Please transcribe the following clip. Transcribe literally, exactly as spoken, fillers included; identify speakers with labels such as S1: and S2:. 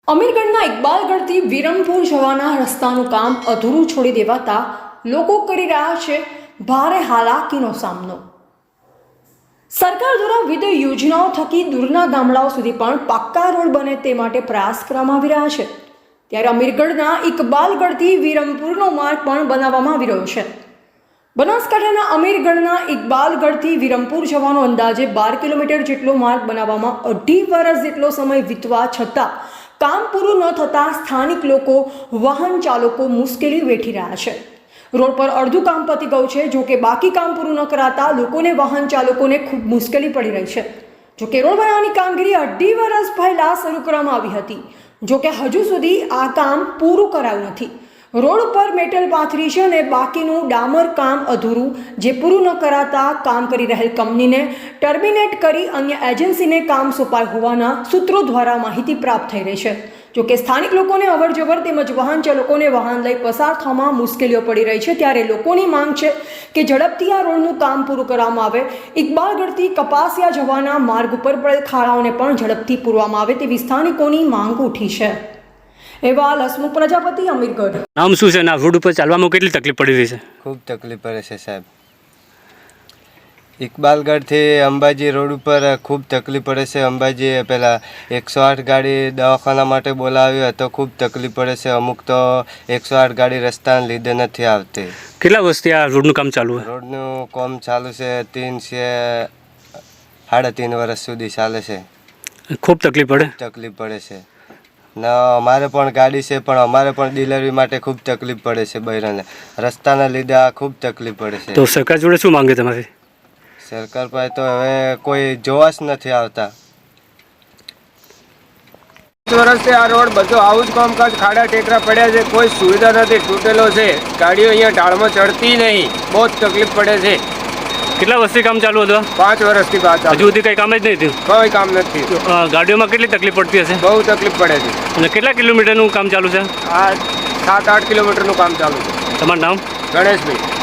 S1: અમીરગઢના ઇકબાલગઢથી વિરમપુર જવાના રસ્તાનું કામ અધૂરું છોડી દેવાતા લોકો કરી રહ્યા છે ભારે હાલાકીનો સામનો। સરકાર દ્વારા વિવિધ યોજનાઓ થકી દૂરના ગામડાઓ સુધી પણ પાક્કા રોડ બને તે માટે પ્રયાસ કરવામાં આવી રહ્યા છે। ત્યારે અમીરગઢના ઇકબાલગઢથી વિરમપુરનો માર્ગ પણ બનાવવામાં આવી રહ્યો છે। બનાસકાંઠાના અમીરગઢના ઇકબાલગઢથી વિરમપુર જવાનો અંદાજે બાર કિલોમીટર જેટલો માર્ગ બનાવવામાં અઢી વર્ષ જેટલો સમય વીતવા છતાં કામ પૂરું ન થતાં સ્થાનિક લોકો વાહન ચાલકો મુશ્કેલી વેઠી રહ્યા છે। રોડ પર અડધું કામ પતી ગયું છે, જો કે બાકી કામ પૂરું ન કરાતા લોકોને વાહન ચાલકોને ખૂબ મુશ્કેલી પડી રહી છે। જો કે રોડ બનાવવાની કામગીરી અઢી વર્ષ પહેલા શરૂ કરવામાં આવી હતી, જો કે હજુ સુધી આ કામ પૂરું કરાયું નથી। રોડ પર મેટલ પાથરી છે અને બાકીનું ડામર કામ અધૂરું, જે પૂરું ન કરાતા કામ કરી રહેલ કંપનીને ટર્મિનેટ કરી અન્ય એજન્સીને કામ સોંપાય હોવાના સૂત્રો દ્વારા માહિતી પ્રાપ્ત થઈ રહી છે। જો કે સ્થાનિક લોકોને અવરજવર તેમજ વાહન ચાલકોને વાહન લઈ પસાર થવામાં મુશ્કેલીઓ પડી રહી છે। ત્યારે લોકોની માંગ છે કે ઝડપથી આ રોડનું કામ પૂરું કરવામાં આવે। ઇકબાલગઢથી કપાસિયા જવાના માર્ગ ઉપર પડેલ ખાડાઓને પણ ઝડપથી પૂરવામાં આવે તેવી સ્થાનિકોની માંગ ઉઠી છે। એવા હસમુખ પ્રજાપતિ, અમીરગઢ।
S2: નામ શું છે? ના રોડ ઉપર ચાલવામાં કેટલી તકલીફ પડી રહી છે?
S3: ખૂબ તકલીફ પડે છે સાહેબ। ઇકબાલગઢથી અંબાજી રોડ ઉપર ખૂબ તકલીફ પડે છે। અંબાજી પહેલાં એકસો આઠ ગાડી દવાખાના માટે બોલાવ્યો તો ખૂબ તકલીફ પડે છે। અમુક તો એકસો આઠ ગાડી રસ્તાને લીધે નથી આવતી।
S2: કેટલા વર્ષથી આ રોડનું કામ ચાલુ છે?
S3: રોડનું કામ ચાલુ છે ત્રણ છે સાડા ત્રણ વર્ષ સુધી ચાલે છે।
S2: ખૂબ તકલીફ પડે
S3: તકલીફ પડે છે ના અમારે પણ ગાડી છે, પણ અમારે પણ ડિલિવરી માટે ખૂબ તકલીફ પડે છે। બૈરાને રસ્તાના લીધે આ ખૂબ તકલીફ પડે છે।
S2: તો સરકાર જોડે શું માંગે તમારી?
S3: સરકાર પાસે તો હવે કોઈ જોવા જ નથી આવતા।
S4: વર્ષથી આ રોડ બધો આવું જ કામકાજ, ખાડા ટેકરા પડ્યા છે, કોઈ સુવિધા નથી, તૂટેલો છે, ગાડીઓ અહીંયા ઢાળમાં ચડતી નહીં, બહુ જ તકલીફ પડે છે।
S2: કેટલા વર્ષથી કામ ચાલુ હતું?
S4: પાંચ વર્ષથી બાદ
S2: હજુ સુધી કંઈ કામ જ નહીં થયું?
S4: કોઈ કામ નથી।
S2: અ, ગાડીઓમાં કેટલી તકલીફ પડતી હશે?
S4: બહુ તકલીફ પડે છે।
S2: અને કેટલા કિલોમીટરનું કામ ચાલુ છે?
S4: આ સાત આઠ કિલોમીટરનું કામ ચાલુ છે।
S2: તમારું નામ?
S4: ગણેશભાઈ।